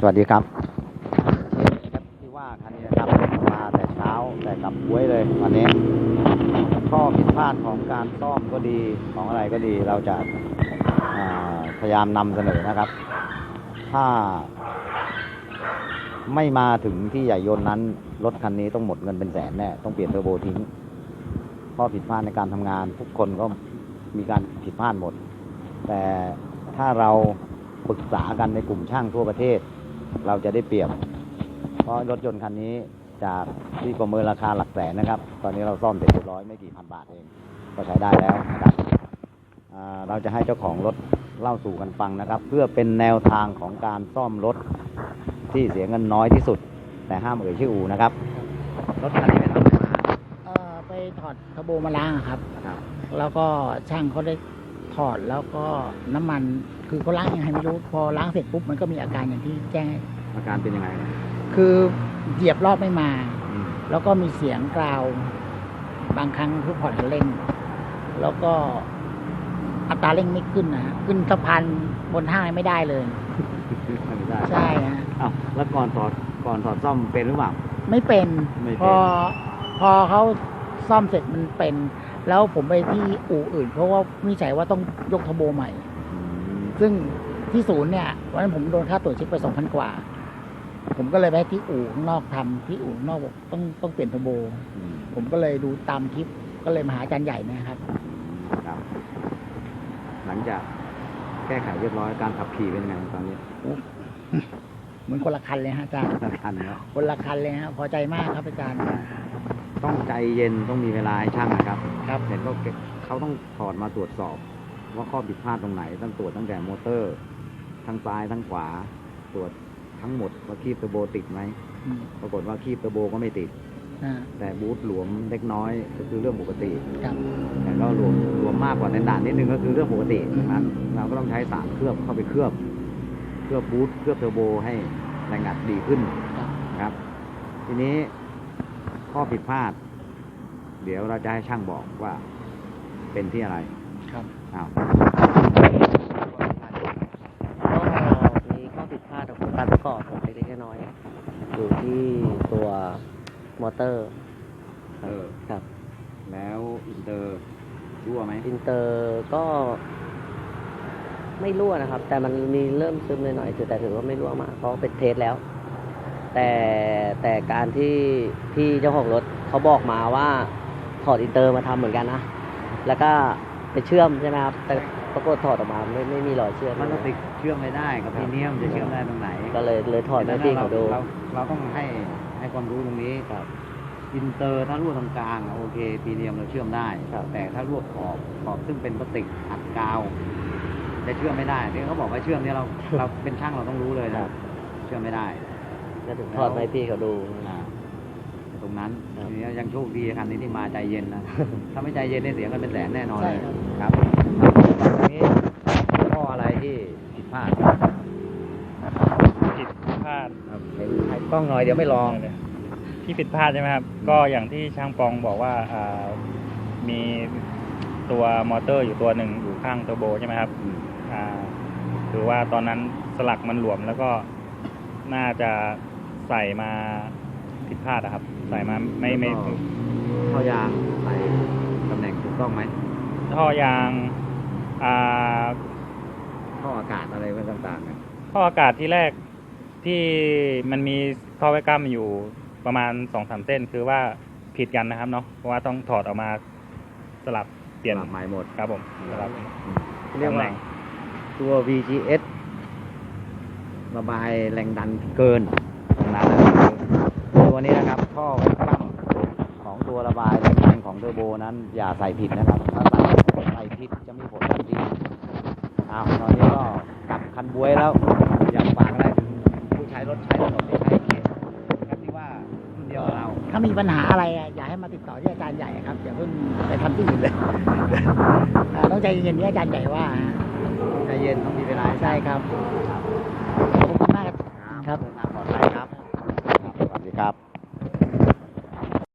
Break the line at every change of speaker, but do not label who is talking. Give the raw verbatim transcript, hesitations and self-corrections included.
วัสดีครับครับที่ว่าคันนี้นะครับมาแต่เช้าแต่กลับบ้วยเลยวันนี้ข้อผิดพลาดของการซ่อมก็ดีของอะไรก็ดีเราจะพยายามนำเสนอนะครับถ้าไม่มาถึงที่ใหญ่ยนต์นั้นรถคันนี้ต้องหมดเงินเป็นแสนแน่ต้องเปลี่ยนเทอร์โบทิ้งข้อผิดพลาดในการทำงานทุกคนก็มีการผิดพลาดหมดแต่ถ้าเราปรึกษากันในกลุ่มช่างทั่วประเทศเราจะได้เปรียบเพราะรถยนต์คันนี้จากที่ประเมินราคาหลักแสนนะครับตอนนี้เราซ่อมเสร็จเรียบร้อยไม่กี่พันบาทเองก็ใช้ได้แล้วนะครับเราจะให้เจ้าของรถเล่าสู่กันฟังนะครับเพื่อเป็นแนวทางของการซ่อมรถที่เสียเงินน้อยที่สุดแต่ห้ามเอ่ยชื่ออู่นะครับรถคันนี้ไปทำอะไรมา
เอ่อไปถอดเทอร์โบมาล้างครับแล้วก็ช่างเขาได้ถอดแล้วก็น้ำมันคือเขาล้างยังไงไม่รู้พอล้างเสร็จปุ๊บมันก็มีอาการอย่างที่แจ้ง
อาการเป็นยังไง
คือเหยียบรอบไม่มาแล้วก็มีเสียงกราวบางครั้งทุกผ่อนคันเร่งแล้วก็อัตราเร่งไม่ขึ้นนะขึ้นสะพานบนห้างไม่ได้เลย
ไม่ได้
ใช่ฮะ
อ้าวแล้วก่อนถอดก่อนถอดซ่อมเป็นหรือเปล่า
ไม่เป็นพอพอเขาซ่อมเสร็จมันเป็นแล้วผมไปที่อู่อื่นเพราะว่าวิจัยว่าต้องยกเทอร์โบใหม่ซึ่งที่ศูนย์เนี่ยวันนั้นผมโดนค่าตรวจเช็คไปสองพันกว่าผมก็เลยไปที่อู่ข้างนอกทำที่อู่ข้างนอกบอกต้องต้องเปลี่ยนเทอร์โบผมก็เลยดูตามคลิปก็เลยมาหาอาจารย์ใหญ่นะครับ
หลังจากแก้ไขเรียบร้อยการขับขี่เป็นยังไงตอนนี้
เหมือนคนละคันเลยฮะอาจารย์
คนละคันครับ
คนละคันเลยฮะพอใจมากครับอาจารย์
ต้องใจเย็นต้องมีเวลาให้ช่างนะครับครับเห็นก็เขาต้องถอดมาตรวจสอบว่าข้อผิดพลาดตรงไหนต้องตรวจตั้งแต่มอเตอร์ทั้งซ้ายทั้งขวาตรวจทั้งหมดว่าคีบเทอร์โบติดไหมปรากฏว่าคีบเทอร์โบก็ไม่ติดแต่บูทหลวมเล็กน้อยก็คือเรื่องปกติแต่ก็หลวมหลวมมากกว่าในด่านนิดนึงก็คือเรื่องปกตินั้นเราก็ต้องใช้สารเคลือบเข้าไปเคลือบเคลือบบูทเคลือบเทอร์โบให้แรงอัดดีขึ้นครับทีนี้ข้อผิดพลาดเดี๋ยวเราจะให้ช่างบอกว่าเป็นที่อะไร
ครับ
อ้าว
ก็มีข้อผิดพลาดของการประกอบเล็กๆน้อยๆอยู่ที่ตัวมอเตอร์
เออ
ครับ
แล้วอินเตอร์รั่วไหม
อินเตอร์ก็ไม่รั่วนะครับแต่มันมีเริ่มซึมหน่อยๆแต่ถือว่าไม่รั่วมากเพราะเป็นเทสแล้วแต่แต่การที่พี่เจ้าของรถเขาบอกมาว่าถอดอินเตอร์มาทำเหมือนกันนะแล้วก็ไปเชื่อมใช่ไหมครับแต่ปรากฏถอดออกมาไม่ไม่มีรอยเชื่อม
มันก็ติดเชื่อมไม่ได้กับพีเนียมจะเชื่อมได้ตรงไหน
ก็เลยเลยถอดให้พี่เขาดู
เราเราต้องให้ให้ความรู้ตรงนี้ครับอินเตอร์ถ้ารั่วตรงกลางโอเคพีเนียมเราเชื่อมได้แต่ถ้ารั่วขอบขอบซึ่งเป็นพลาสติกอัดกาวจะเชื่อมไม่ได้ที่เขาบอกว่าเชื่อมเนี่ยเราเราเป็นช่างเราต้องรู้เลยนะเชื่อมไม่ได้
ก็ถึงถอดให้พี่เขาดู
ตรงนั้นทีนี้ยังโชคดีคันนี้ที่มาใจเย็นนะถ้าไม่ใจเย็นเนี่ยเสียกันเป็นแสนแน่นอนเลยครับตรงนี้ข้ออะไรที่ผิดพลาด
ผิดพลาด
เห็นถ่ายกล้องหน่อยเดี๋ยวไม่ลอง
ที่ผิดพลาดใช่ไหมครับก็อย่างที่ช่างปองบอกว่ามีตัวมอเตอร์อยู่ตัวหนึ่งอยู่ข้างเทอร์โบใช่ไหมครับหรือว่าตอนนั้นสลักมันหลวมแล้วก็น่าจะใส่มาผิดพลาดนะครับใส่มาไม่ไม่
ท่อยางใส่ตำแหน่งถูกต้องไหม
ท่อยางอ่า
ท่ออากาศอะไรต่างๆ
ท่ออากาศที่แรกที่มันมีท่อไว้กั้มอยู่ประมาณสองสามเส้นคือว่าผิดกันนะครับเนาะเพราะว่าต้องถอดออกมาสลับเปลี่ยน
ใหม่หมด
ครับผมสลับ
เรียกว่าตัว วี จี เอส ระบายแรงดันเกินตรงนั้นตัวนี้นะครับท่อไว้กั้มของตัวระบายแรงดันของเทอร์โบนั้นอย่าใส่ผิดนะครับถ้าใส่ใส่ผิดจะมีผลทันทีอ้าวตอนนี้ก็กลับคันบวยแล้วอยากฝากอะไรถึงผู้ใช้รถใช้ถนนที่ใช้เขตครับที่ว่ารุ่นเดียวเรา
ถ้ามีปัญหาอะไรอยากให้มาติดต่อที่อาจารย์ใหญ่ครับอย่าเพิ่งไปทำที่อื่นเลยต้องใจเย็นๆที่อาจารย์ใหญ่ว่า
ใจเย็นต้องมีเวลา
ใช่ครับขอบคุณมาก
ครับเดินทางปลอดภัยครับสวัสดีครับ